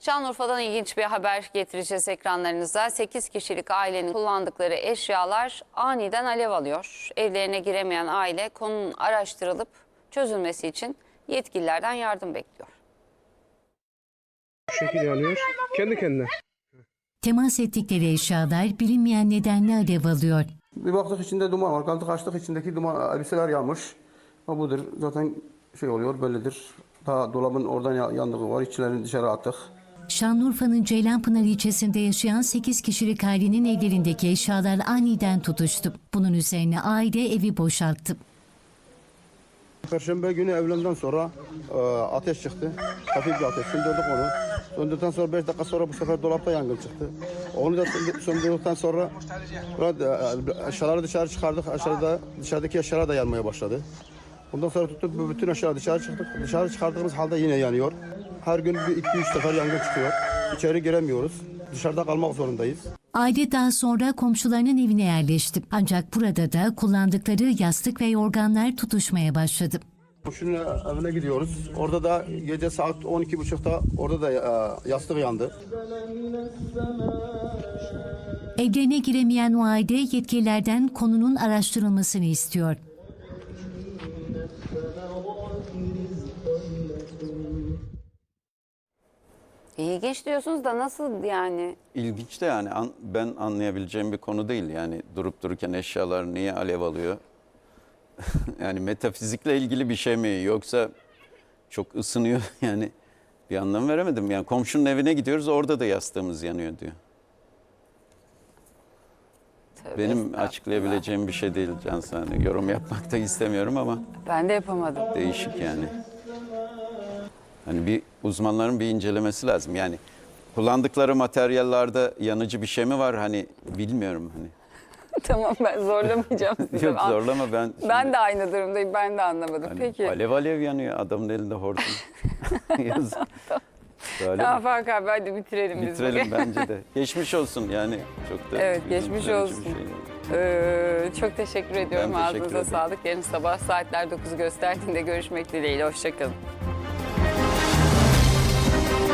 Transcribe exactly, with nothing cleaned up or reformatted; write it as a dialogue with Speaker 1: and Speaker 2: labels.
Speaker 1: Şanlıurfa'dan ilginç bir haber getireceğiz ekranlarınıza. sekiz kişilik ailenin kullandıkları eşyalar aniden alev alıyor. Evlerine giremeyen aile konunun araştırılıp çözülmesi için yetkililerden yardım bekliyor.
Speaker 2: Bu şekilde yanıyor. Kendi kendine.
Speaker 3: Temas ettikleri eşyalar bilinmeyen nedenle alev alıyor.
Speaker 4: Bir baktık içinde duman var. Kaldık açtık, içindeki duman elbiseler yanmış. Ha budur. Zaten şey oluyor, bellidir. Daha dolabın oradan yandığı var. İçlerini dışarı attık.
Speaker 3: Şanlıurfa'nın Ceylanpınar ilçesinde yaşayan sekiz kişilik ailenin evlerindeki eşyalar aniden tutuştu. Bunun üzerine aile evi boşalttı.
Speaker 4: Perşembe günü evlenden sonra e, ateş çıktı. Hafif bir ateş. Söndürdük onu. Söndürdükten sonra beş dakika sonra bu sefer dolapta yangın çıktı. Onu da söndürdükten sonra e, eşyaları dışarı çıkardık. Aşağıda dışarıdaki eşyalar da yanmaya başladı. Ondan sonra tuttuk bütün eşyaları dışarı çıktık. Dışarı çıkardığımız halde yine yanıyor. Her gün bir iki üç sefer yangın çıkıyor. İçeri giremiyoruz. Dışarıda kalmak zorundayız.
Speaker 3: Aile daha sonra komşularının evine yerleşti. Ancak burada da kullandıkları yastık ve yorganlar tutuşmaya başladı.
Speaker 4: Komşunun evine gidiyoruz. Orada da gece saat on iki buçukta orada da e, yastık yandı.
Speaker 3: Evlerine giremeyen o aile yetkililerden konunun araştırılmasını istiyor.
Speaker 1: İlginç diyorsunuz da nasıl yani?
Speaker 5: İlginç de yani an, ben anlayabileceğim bir konu değil. Yani durup dururken eşyalar niye alev alıyor? Yani metafizikle ilgili bir şey mi yoksa çok ısınıyor yani bir anlam veremedim. Yani komşunun evine gidiyoruz orada da yastığımız yanıyor diyor.
Speaker 1: Tövbe
Speaker 5: Benim açıklayabileceğim bir şey değil Cansu. Hani yorum yapmak da istemiyorum ama
Speaker 1: Ben de yapamadım.
Speaker 5: değişik yani. Hani bir uzmanların bir incelemesi lazım. Yani kullandıkları materyallerde yanıcı bir şey mi var? Hani bilmiyorum hani.
Speaker 1: Tamam, ben zorlamayacağım sizi.
Speaker 5: Yok zorlama ben. Şimdi,
Speaker 1: Ben de aynı durumdayım. Ben de anlamadım.
Speaker 5: hani
Speaker 1: Peki.
Speaker 5: alev alev yanıyor adamın elinde hortum. Yazık. Böyle
Speaker 1: Tamam
Speaker 5: mi?
Speaker 1: Faruk abi, hadi bitirelim biz.
Speaker 5: Bitirelim
Speaker 1: bugün.
Speaker 5: bence de. Geçmiş olsun yani çok da.
Speaker 1: Evet,
Speaker 5: üzüntü
Speaker 1: geçmiş
Speaker 5: verici
Speaker 1: olsun.
Speaker 5: bir şey.
Speaker 1: Ee, çok teşekkür ediyorum.
Speaker 5: Ben teşekkür
Speaker 1: Ağzınıza
Speaker 5: ederim.
Speaker 1: sağlık. Yarın sabah saatler dokuzu gösterdiğinde görüşmek dileğiyle. Hoşçakalın.